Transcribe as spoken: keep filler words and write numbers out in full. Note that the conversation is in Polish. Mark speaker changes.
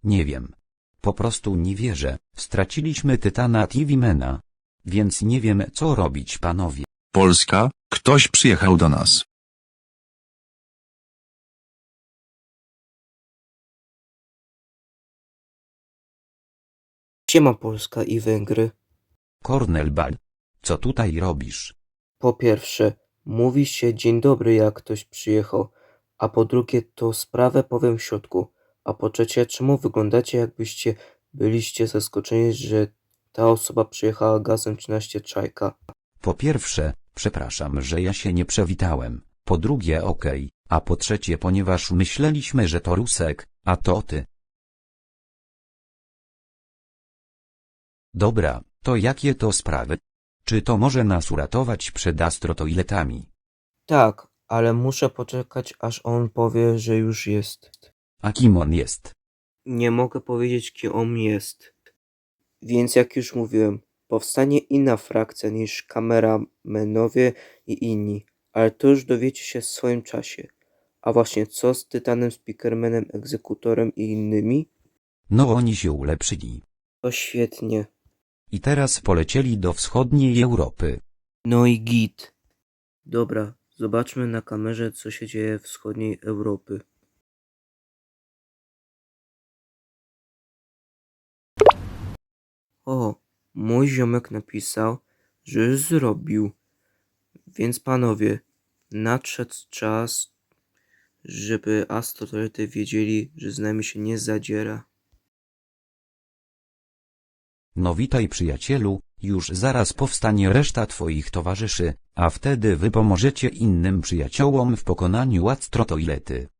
Speaker 1: Nie wiem. Po prostu nie wierzę, straciliśmy Tytana Tivimena. Więc nie wiem, co robić, panowie.
Speaker 2: Polska, ktoś przyjechał do nas.
Speaker 3: Siema Polska i Węgry.
Speaker 1: Kornel Bal. Co tutaj robisz?
Speaker 3: Po pierwsze, mówi się dzień dobry jak ktoś przyjechał, a po drugie to sprawę powiem w środku, a po trzecie czemu wyglądacie jakbyście byliście zaskoczeni, że ta osoba przyjechała gazem trzynaście Czajka.
Speaker 1: Po pierwsze, przepraszam, że ja się nie przywitałem. Po drugie okej, a po trzecie ponieważ myśleliśmy, że to Rusek, a to ty. Dobra, to jakie to sprawy? Czy to może nas uratować przed astrotoiletami?
Speaker 3: Tak, ale muszę poczekać aż on powie, że już jest.
Speaker 1: A kim on jest?
Speaker 3: Nie mogę powiedzieć kim on jest. Więc jak już mówiłem, powstanie inna frakcja niż kameramenowie i inni, ale to już dowiecie się w swoim czasie. A właśnie co z Tytanem, Speakermanem, Egzekutorem i innymi?
Speaker 1: No oni się ulepszyli.
Speaker 3: To świetnie.
Speaker 1: I teraz polecieli do wschodniej Europy.
Speaker 3: No i git. Dobra, zobaczmy na kamerze co się dzieje w wschodniej Europy. O, mój ziomek napisał, że już zrobił. Więc panowie, nadszedł czas, żeby astrotoilety wiedzieli, że z nami się nie zadziera.
Speaker 1: No witaj przyjacielu, już zaraz powstanie reszta twoich towarzyszy, a wtedy wy pomożecie innym przyjaciołom w pokonaniu astrotoilety.